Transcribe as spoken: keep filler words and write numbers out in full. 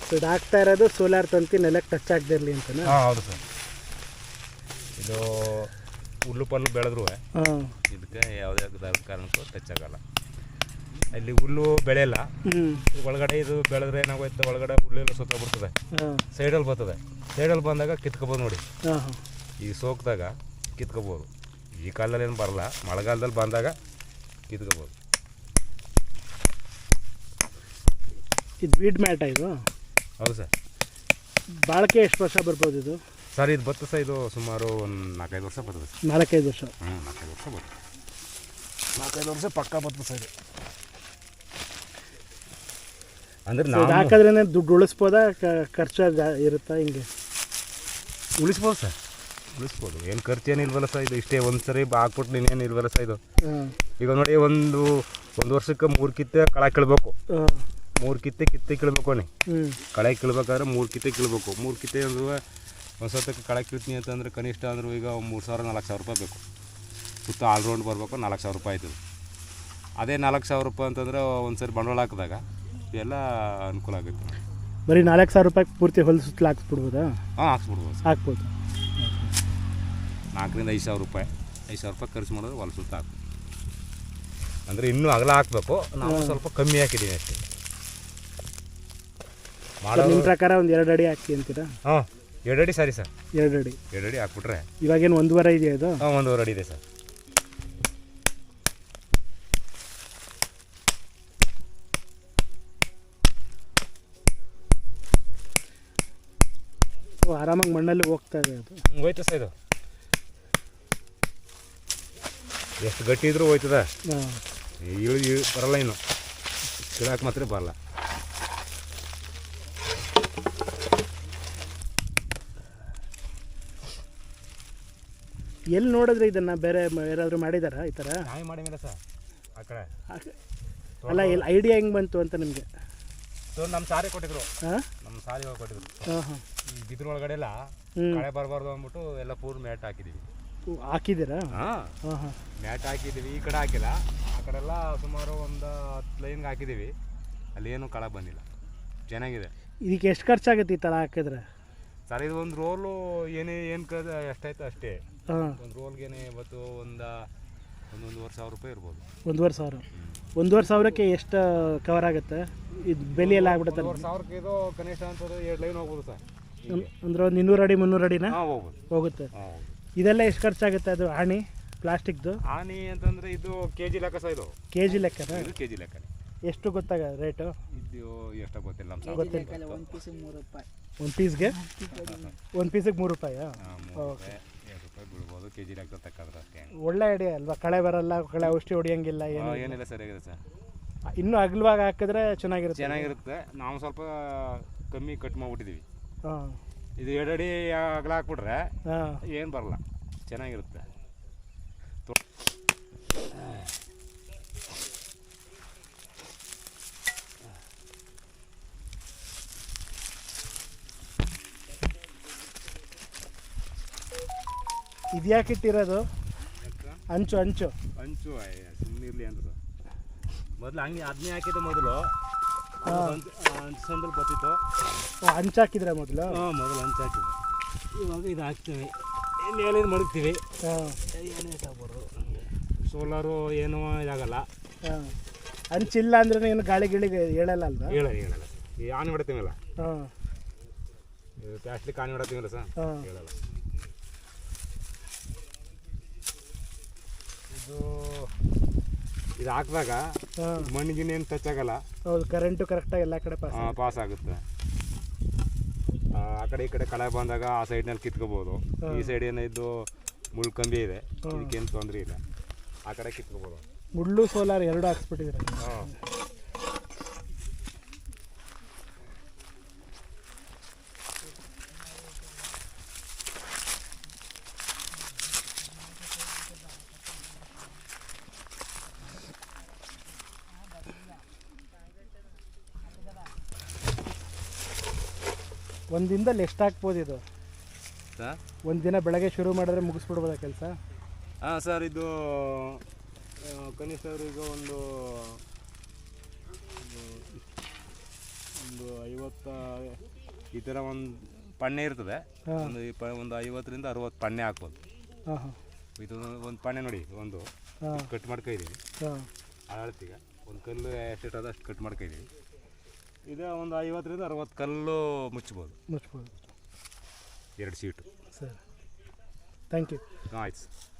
So ಇದು ಹಾಕ್ತಾ ಇರೋದು ಸೋಲಾರ್ ತಂತಿ ನೆಲಕ್ಕೆ ಟಚ್ ಆಗದಿರಲಿ ಅಂತನಾ? ಹಾಂ ಹೌದು ಸರ್. ಇದು ಹುಲ್ಲು ಪಲ್ಲು ಬೆಳೆದ್ರು ಹಾಂ ಇದಕ್ಕೆ ಯಾವುದೇ ಕಾರಣಕ್ಕೂ ಟಚ್ ಆಗಲ್ಲ. ಇಲ್ಲಿ ಹುಲ್ಲು ಬೆಳೆಯಲ್ಲ, ಒಳಗಡೆ ಇದು ಬೆಳೆದ್ರೆ ಏನಾಗೋಯ್ತು, ಒಳಗಡೆ ಹುಲ್ಲೆಲ್ಲ ಸುತ್ತ ಬಿಡ್ತದೆ, ಸೈಡಲ್ಲಿ ಬರ್ತದೆ. ಸೈಡಲ್ಲಿ ಬಂದಾಗ ಕಿತ್ಕೋಬೋದು ನೋಡಿ, ಈ ಸೋಕ್ದಾಗ ಕಿತ್ಕೋಬೋದು. ಈ ಕಾಲದಲ್ಲಿ ಏನು ಬರಲ್ಲ, ಮಳೆಗಾಲದಲ್ಲಿ ಬಂದಾಗ ಕಿತ್ಕೋಬೋದು. ಇದು ವೀಡ್ ಮ್ಯಾಟ ಇದು? ಹೌದು ಸರ್. ಬಾಳಿಕೆ ಎಷ್ಟು ವರ್ಷ ಬರ್ಬೋದು ಇದು ಸರ್? ಇದು ಬತ್ತು ಸರ್, ಇದು ಸುಮಾರು ಒಂದು ನಾಲ್ಕೈದು ವರ್ಷ ಬರ್ತದೆ ಸರ್. ನಾಲ್ಕೈದು ವರ್ಷ? ಹ್ಞೂ ನಾಲ್ಕೈದು ವರ್ಷ ಬರ್ತದೆ, ನಾಲ್ಕೈದು ವರ್ಷ ಪಕ್ಕ ಬರ್ತದೆ ಸರ್ ಇದು. ಅಂದರೆ ನಾವು ಹಾಕಿದ್ರೇ ದುಡ್ಡು ಉಳಿಸ್ಬೋದಾ, ಖರ್ಚು ಇರುತ್ತಾ ಹಿಂಗೆ? ಉಳಿಸ್ಬೋದು ಸರ್, ಉಳಿಸ್ಬೋದು. ಏನು ಖರ್ಚು ಏನು ಇಲ್ವಲ್ಲ ಸರ್, ಇದು ಇಷ್ಟೇ ಒಂದು ಸರಿ ಹಾಕ್ಬಿಟ್ಟು ನೀನೇನು ಇಲ್ವಲ್ಲ ಸರ್ ಇದು. ಈಗ ನೋಡಿ, ಒಂದು ಒಂದು ವರ್ಷಕ್ಕೆ ಮೂರು ಕಿತ್ತೆ ಕಳೆ ಕೀಳ್ಬೇಕು, ಮೂರು ಕಿತ್ತೆ ಕಿತ್ತೆ ಕೀಳ್ಬೇಕು ಅಣ್ಣ. ಕಳೆ ಕೀಳ್ಬೇಕಾದ್ರೆ ಮೂರು ಕಿತ್ತೆ ಕೀಳ್ಬೇಕು. ಮೂರು ಕಿತ್ತೆ ಅಂದ್ರೆ ಒಂದು ಸತಕ್ಕೆ ಕಳೆ ಕೀಳ್ತೀನಿ ಅಂತಂದರೆ ಕನಿಷ್ಠ ಅಂದರೂ ಈಗ ಮೂರು ಸಾವಿರ ನಾಲ್ಕು ಸಾವಿರ ರೂಪಾಯಿ ಬೇಕು. ಸುತ್ತ ಆಲ್ರೌಂಡ್ ಬರಬೇಕು, ನಾಲ್ಕು ಸಾವಿರ ರೂಪಾಯಿ ಆಯ್ತದೆ. ಅದೇ ನಾಲ್ಕು ಸಾವಿರ ರೂಪಾಯಿ ಅಂತಂದರೆ ಒಂದು ಸರಿ ಬಂಡವಾಳ ಹಾಕಿದಾಗ ಎಲ್ಲ ಅನುಕೂಲ ಆಗುತ್ತೆ. ಬರೀ ನಾಲ್ಕು ಸಾವಿರ ರೂಪಾಯಿ ಪೂರ್ತಿ ಹೊಲ ಸುತ್ತಲೂ ಹಾಕ್ಸ್ಬಿಡ್ಬೋದಾ? ಹಾಂ ಹಾಕ್ಸ್ಬಿಡ್ಬೋದು, ಹಾಕ್ಬೋದು. ನಾಲ್ಕರಿಂದ ಐದು ಸಾವಿರ ರೂಪಾಯಿ ಐದು ಸಾವಿರ ರೂಪಾಯಿ ಖರ್ಚು ಮಾಡಿದ್ರೆ ಹೊಲ ಸುತ್ತ ಹಾಕ್ಬೇಕು. ಅಂದರೆ ಇನ್ನೂ ಅಗಲ ಹಾಕಬೇಕು, ನಾವು ಸ್ವಲ್ಪ ಕಮ್ಮಿ ಹಾಕಿದ್ದೀನಿ ಅಷ್ಟೇ. ಮಾಡೋ ನಿಮ್ಮ ಪ್ರಕಾರ ಒಂದು ಎರಡು ಅಡಿ ಹಾಕಿ ಅಂತೀರಾ? ಹಾಂ, ಎರಡು ಅಡಿ ಸರಿ ಸರ್. ಎರಡು ಅಡಿ ಎರಡು ಅಡಿ ಹಾಕ್ಬಿಟ್ರೆ ಇವಾಗೇನು ಒಂದೂವರೆ ಇದೆಯಾ ಇದು? ಹಾಂ, ಒಂದೂವರೆ ಅಡಿ ಇದೆ ಸರ್. ಆರಾಮಾಗಿ ಮಣ್ಣಲ್ಲಿ ಹೋಗ್ತಾ ಇದೆ ಅದು? ಹೋಯ್ತು ಸರ್. ಇದು ಎಷ್ಟು ಗಟ್ಟಿ ಇದ್ರೂ ಹೋಯ್ತದ, ಇಳಿ ಬರಲ್ಲ, ಇನ್ನು ಕೀಳಕ್ಕೆ ಮಾತ್ರ ಬರಲ್ಲ. ಎಲ್ಲಿ ನೋಡಿದ್ರೆ ಇದನ್ನು ಬೇರೆ ಯಾರಾದರೂ ಮಾಡಿದಾರಾ ಈ ಥರ? ನಾಯಿ ಮಾಡಿಲ್ಲ ಸರ್ ಆ ಕಡೆ. ಅಲ್ಲ, ಎಲ್ಲಿ ಐಡಿಯಾ ಹೆಂಗೆ ಬಂತು ಅಂತ ನಿಮಗೆ? ನಮ್ಮ ಸಾರಿ ಕೊಟ್ಟಿದ್ರು, ಹಾಂ ನಮ್ಮ ಸಾರಿ ಕೊಟ್ಟಿದ್ರು. ಹಾಂ ಹಾಂ ಈ ಬಿದ್ರ ಒಳಗಡೆ ಎಲ್ಲ ಕಳೆ ಬರಬಾರ್ದು ಅಂದ್ಬಿಟ್ಟು ಎಲ್ಲ ಪೂರ್ ಮ್ಯಾಟ್ ಹಾಕಿದ್ದೀವಿ. ಹಾಕಿದ್ದೀರಾ? ಹಾಂ ಹಾಂ ಹಾಂ ಮ್ಯಾಟ್ ಹಾಕಿದ್ದೀವಿ. ಈ ಕಡೆ ಹಾಕಿಲ್ಲ, ಆ ಕಡೆ ಎಲ್ಲ ಸುಮಾರು ಒಂದು ಹತ್ತು ಲೈನ್ಗೆ ಹಾಕಿದ್ದೀವಿ. ಅಲ್ಲಿ ಏನೂ ಕಳೆ ಬಂದಿಲ್ಲ, ಚೆನ್ನಾಗಿದೆ. ಇದಕ್ಕೆ ಎಷ್ಟು ಖರ್ಚಾಗುತ್ತೆ ಈ ಥರ ಹಾಕಿದ್ರೆ ಸರ್? ಇದು ಒಂದು ರೋಲು ಏನೇ ಏನು ಕ ಎಷ್ಟಾಯ್ತು ಅಷ್ಟೇ. ಹಾಂ, ಒಂದು ರೋಲ್ಗೇನೆ ಇವತ್ತು ಒಂದು ಒಂದೊಂದುವರೆ ಸಾವಿರ ರೂಪಾಯಿ ಇರ್ಬೋದು. ಒಂದೂವರೆ ಸಾವಿರ? ಒಂದೂವರೆ ಸಾವಿರಕ್ಕೆ ಎಷ್ಟು ಕವರ್ ಆಗುತ್ತೆ ಇದು? ಬೆಲೆ ಎಲ್ಲ ಆಗ್ಬಿಡುತ್ತೆ? ಒಂದೂವರೆ ಸಾವಿರಕ್ಕೆ ಇದು ಕನಿಷ್ಠ ಅಂತಂದ್ರೆ ಎರಡು ಲೈನ್ ಹೋಗ್ಬೋದು ಸರ್. ಅಂದ್ರೆ ಒಂದು ಇನ್ನೂರು ಅಡಿ ಮುನ್ನೂರು ಅಡಿನ ಹಾಂ ಹೋಗ್ಬೋದು, ಹೋಗುತ್ತೆ. ಹಾಂ ಹೋಗ್ಬೋದು. ಇದೆಲ್ಲ ಎಷ್ಟು ಖರ್ಚಾಗುತ್ತೆ ಅದು ಆಣಿ ಪ್ಲಾಸ್ಟಿಕ್ದು? ಆಣಿ ಅಂತಂದರೆ ಇದು ಕೆ ಜಿ ಲೆಕ್ಕ ಸರ್. ಇದು ಕೆ ಜಿ ಲೆಕ್ಕನ? ಇದು ಕೆ ಜಿ ಲೆಕ್ಕನೇ. ಎಷ್ಟು ಗೊತ್ತಾಗ ರೇಟು? ಇದು ಎಷ್ಟು ಗೊತ್ತಿಲ್ಲ ನಮ್ಮ ಗೊತ್ತಿಲ್ಲ. ಒಂದು ಪೀಸಿಗೆ ಮೂರು ರೂಪಾಯಿ. ಒಂದು ಪೀಸ್ಗೆ ಒಂದು ಪೀಸಿಗೆ ಮೂರು ರೂಪಾಯಿ? ಓಕೆ, ಎರಡು ರೂಪಾಯಿ ಬೀಳ್ಬೋದು ಕೆ ಜಿ ಲೆಕ್ಕ ತಕ್ಕಾದ್ರೆ ಅಷ್ಟೇ. ಒಳ್ಳೆ ಐಡಿಯಾ ಅಲ್ವಾ? ಕಳೆ ಬರಲ್ಲ, ಕಳೆ ಔಷಧಿ ಹೊಡಿಯಂಗಿಲ್ಲ, ಏನು ಏನಿಲ್ಲ, ಸರಿಯಾಗಿದೆ ಸರ್. ಇನ್ನೂ ಅಗಲವಾಗಿ ಹಾಕಿದ್ರೆ ಚೆನ್ನಾಗಿರುತ್ತೆ. ಚೆನ್ನಾಗಿರುತ್ತೆ. ನಾವು ಸ್ವಲ್ಪ ಕಮ್ಮಿ ಕಟ್ ಮಾಡಿಬಿಟ್ಟಿದ್ದೀವಿ. ಹಾಂ, ಇದು ಎರಡು ಅಡಿ ಅಗಲ ಹಾಕ್ಬಿಟ್ರೆ ಹಾಂ ಏನು ಬರಲ್ಲ, ಚೆನ್ನಾಗಿರುತ್ತೆ. ಇದು ಯಾಕೆ ಇಟ್ಟಿರೋದು? ಅಂಚು ಅಂಚು ಅಂಚು ಸುಮ್ಮನಿರಲಿ ಅಂತ ಮೊದಲು ಹಂಗೆ ಅದನ್ನೇ ಹಾಕಿದ್ದು. ಮೊದಲು ಅಂಚು ಸಂದಲ್ಲಿ ಬರ್ತಿತ್ತು. ಅಂಚು ಹಾಕಿದ್ರೆ ಮೊದಲು? ಹಾಂ, ಮೊದಲು ಅಂಚು ಹಾಕಿದ್ದು. ಇವಾಗ ಇದು ಹಾಕ್ತೀವಿ, ಮೇಲೆ ಮಡಗ್ತೀವಿ. ಹಾಂ, ಏನು ಇದಾಗ್ಬಾರ್ದು, ಸೋಲಾರು ಏನೂ ಇದಾಗಲ್ಲ. ಹಾಂ, ಅಂಚಿಲ್ಲ ಅಂದ್ರೆ ಏನು ಗಾಳಿ ಗಿಳಿಗೆ ಹೇಳಲ್ಲ ಅಲ್ವಾ? ಹೇಳ ಹೇಳಲ್ಲ ಈ ಆನೆ ಹೊಡಿತೀವಲ್ಲ, ಹಾಂ, ಪ್ಲಾಸ್ಟಿಕ್ ಆನೆ ಹೊಡಿತೀವಲ್ಲ ಸರ್, ಹಾಂ ಹೇಳಲ್ಲ. ಇದು ಇದು ಹಾಕಿದಾಗ ಮಣ್ಣಿಗಿನ ಏನು ಟಚ್ ಆಗಲ್ಲ. ಹೌದು, ಕರೆಂಟು ಕರೆಕ್ಟಾಗಿ ಎಲ್ಲ ಕಡೆ ಪಾಸ್ ಪಾಸ್ ಆಗುತ್ತೆ. ಆ ಕಡೆ ಈ ಕಡೆ ಕಳೆ ಬಂದಾಗ ಆ ಸೈಡ್ನಲ್ಲಿ ಕಿತ್ಕೋಬೋದು. ಈ ಸೈಡ್ ಏನಿದ್ದು ಮುಳ್ಳು ಕಂಬಿ ಇದೆ, ಇದಕ್ಕೇನು ತೊಂದರೆ ಇಲ್ಲ, ಆ ಕಡೆ ಕಿತ್ಕೋಬೋದು. ಮುಳ್ಳು ಸೋಲಾರ್ ಎರಡು ಹಾಕ್ಸ್ಬಿಟ್ಟಿದ್ರೆ. ಹಾಂ, ಒಂದು ದಿನದಲ್ಲಿ ಎಷ್ಟು ಹಾಕ್ಬೋದು ಇದು ಸರ್? ಒಂದು ದಿನ ಬೆಳಗ್ಗೆ ಶುರು ಮಾಡಿದ್ರೆ ಮುಗಿಸ್ಬಿಡ್ಬೋದಾ ಕೆಲಸ? ಹಾಂ ಸರ್, ಇದು ಕನಿಷ್ಠ ಈಗ ಒಂದು ಒಂದು ಐವತ್ತ ಈ ಥರ ಒಂದು ಪಣ್ಣೆ ಇರ್ತದೆ. ಹಾಂ ಒಂದು ಇಪ್ಪ ಒಂದು ಐವತ್ತರಿಂದ ಅರವತ್ತು ಪಣ್ಣೆ ಹಾಕ್ಬೋದು. ಹಾಂ ಹಾಂ ಇದು ಒಂದು ಪಣ್ಣೆ ನೋಡಿ, ಒಂದು ಹಾಂ ಕಟ್ ಮಾಡ್ಕೊಂಡಿದ್ದೀವಿ. ಹಾಂ ಅಳತಿಗೆ ಒಂದು ಕಲ್ಲು ಎಷ್ಟಿಟ್ಟದ ಅಷ್ಟು ಕಟ್ ಮಾಡ್ಕೊಂಡಿದ್ದೀವಿ. ಇದು ಒಂದು ಐವತ್ತರಿಂದ ಅರವತ್ತು ಕಲ್ಲು ಮುಚ್ಬೋದು, ಮುಚ್ಬೋದು. ಎರಡು ಸೀಟು. ಸರಿ, ಥ್ಯಾಂಕ್ ಯು. ಆಯ್ತು ಸರ್.